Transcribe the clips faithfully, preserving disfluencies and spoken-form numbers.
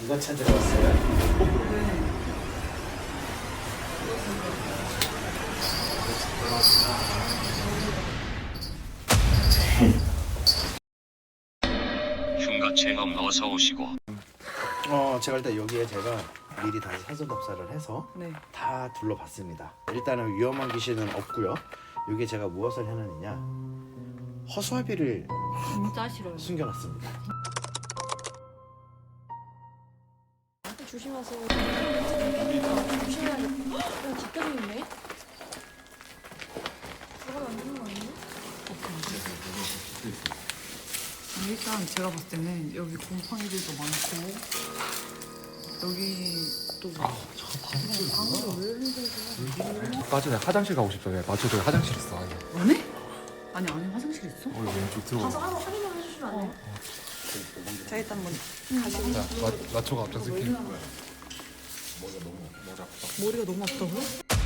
이거 찾으러 왔어요? 네. 흉가 체험 어서 오시고. 어, 제가 일단 여기에 제가 미리 다시 사전 답사를 해서 네. 다 둘러봤습니다. 일단은 위험한 귀신은 없고요. 여기에 제가 무엇을 해놨느냐, 허수아비를 진짜 싫어요. 숨겨놨습니다. 조심하세요. 조심해야겠다. 어, 바뀌어져 있네. 들어가면 안 되는 거 아니에요? 아니, 일단 제가 봤을 때는 여기 곰팡이들도 많고 여기 또 아, 방으로 왜 흔들고 맞아, 내가 화장실 가고 싶어. 내가 맞춰, 저기 화장실 있어. 아니, 안에? 아니 안에 화장실 있어? 어, 여기 왼쪽 들어가. 가서 한번 확인을 해주시면 안 돼요? 자 일단 뭐 자, 마, 맞춰가 앞장 쓸게. 머리가 머리가 너무 아프다고요?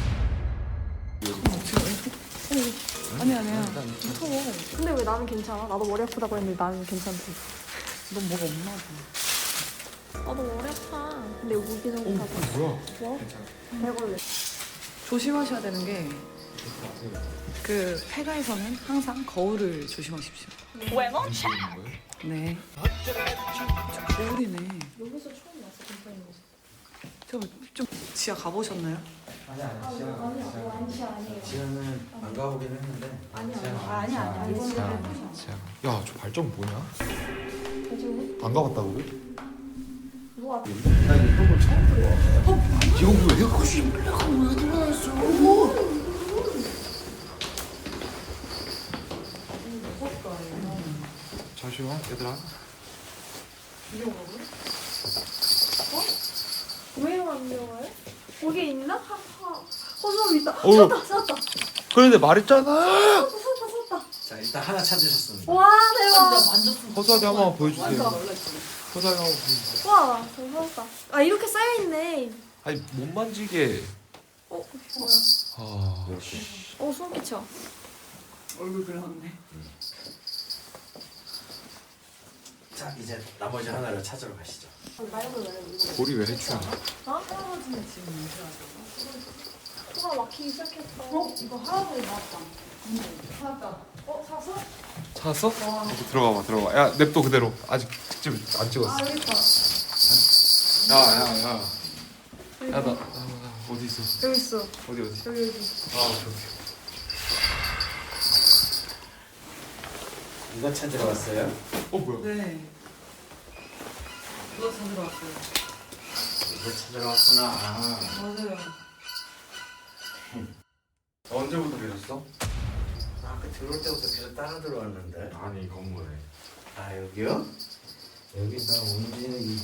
어, 지금 왼쪽? 어, 아니 아니야 무서워. 근데 왜 나는 괜찮아? 나도 머리 아프다고 했는데 나는 괜찮대. 넌 뭐가 없나 봐. 나도 머리 아파. 근데 우기 정도 가서. 뭐야? 뭐? 대걸레. 조심하셔야 되는 게 그 폐가에서는 항상 거울을 조심하십시오. 왜 뭐? 네. 거울이네. 여기서 처음 왔어, 곰팡이 모습. 저좀 지하 가보셨나요? 아니 아니, 아니요, 아니요, 아니요, 아니에요. 지하는 안 가보긴 했는데. 아니요, 아니요, 아니요, 아니요. 이거는 야, 저 발전 뭐냐? 대충 안 가봤다고 그래? 누가 나 이런 걸 처음 들어와. 이거 뭐야? 내가 그것이 내가 왜 들어왔어? 잠시만, 얘들아. 왜요 안 배워요? 거기 있나? 하하. 허수아비 있다. 어휴. 찾았다, 찾았다. 그런데 말했잖아. 찾았다, 찾았다. 자, 일단 하나 찾으셨습니다. 와, 대박. 허수아비 한 번만 보여주세요. 허수아비 한 번 보여주세요. 와, 잘 찾았다. 아, 이렇게 쌓여있네. 아니, 못 만지게. 어, 뭐야. 아, 어, 소름 끼쳐. 얼굴 그려놨네. 자, 이제 나머지 하나를 찾으러 가시죠. 말고 말고 이거. 볼이 왜 해치야? 어? 할아버지는 지금 언제 하세요? 코가 막히기 시작했어. 어? 이거 할아버지 나왔다. 찾았다. 어, 사서? 찾았어? 이제 들어가 봐, 들어가. 야, 냅둬 그대로. 아직 직접 안 찍었어. 아, 여기 있다. 야, 야, 야. 야, 나, 나, 나 어디 있어? 여기 있어. 어디 어디? 여기, 여기. 아, 오케이 오케이. 이거 찾으러 왔어요? 어 뭐야? 네. 누가 찾으러 왔어요? 이거 찾으러 왔구나. 맞아요. 언제부터 계셨어? 아까 들어올 때부터 계속 따라 들어왔는데. 아니 이 건물에. 아, 여기요? 여기 나 온지는 이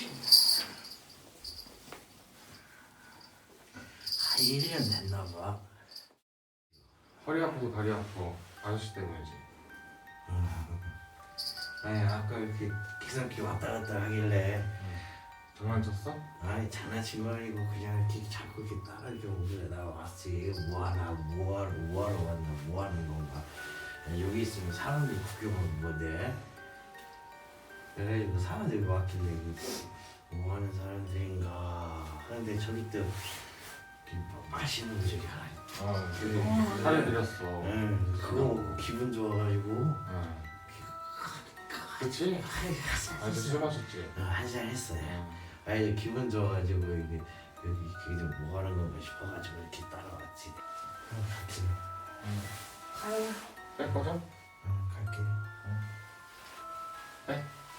아, 일 년 됐나 봐. 허리 아프고 다리 아파. 아저씨 때문이지. 아니, 아까 이렇게 기상기 왔다 갔다 하길래 장난쳤어? 아니 장난친 거 아니고 그냥 이렇게 자꾸 이렇게 따라줘 오길래 나 왔지. 뭐하나 뭐하러 뭐하러 왔나 뭐하는 건가. 여기 있으면 사람들이 구경하면 뭐돼. 그래가지고 사람들이 왔길래 뭐하는 사람들인가 하는데 저기 또 이렇게 맛있는 거 저기 하나 있다. 아, 그래. 사려드렸어. 응, 그거 먹고 기분 좋아가지고 응. 그치? 아저씨 술 마셨지? 한잔 했어요. 아니 기분 좋아가지고 여기 여기 여기 좀 뭐 하는 건가 싶어가지고 이렇게 따라왔지. 응, 갈게. 응. 아유. 뺄 거죠? 응, 갈게. 빼.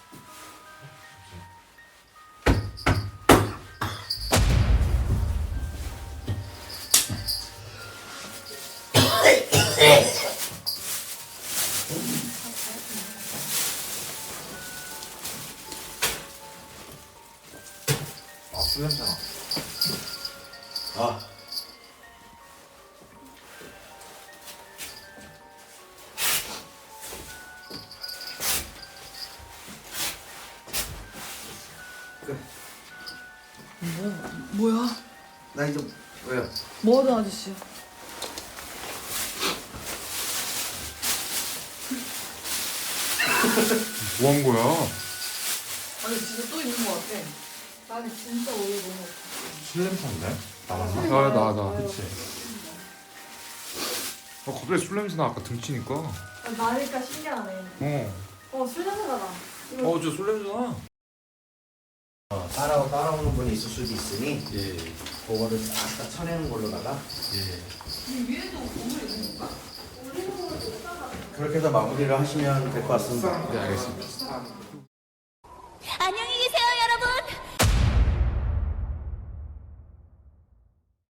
아, 술 냄새나. 아. 뭐 뭐야? 나 이제 왜요? 뭐 하던 아저씨야? 뭐 한 거야? 아니 진짜 또 있는 것 같아. 나는 진짜 오늘 너무 없어. 술 냄새인데? 나왔나? 아, 나, 나. 그치. 어, 갑자기 술 냄새 나, 아까 등치니까. 어. 아, 나니까 신기하네. 어, 술 냄새가 나. 이거 어, 저 술 냄새 나. 어, 따라 따라오는 분이 있을 수도 있으니 예. 그거를 싹 쳐내는 걸로다가 예. 위에도 오물 있는 건가? 그렇게 해서 마무리를 하시면 될 것 같습니다. 네, 알겠습니다.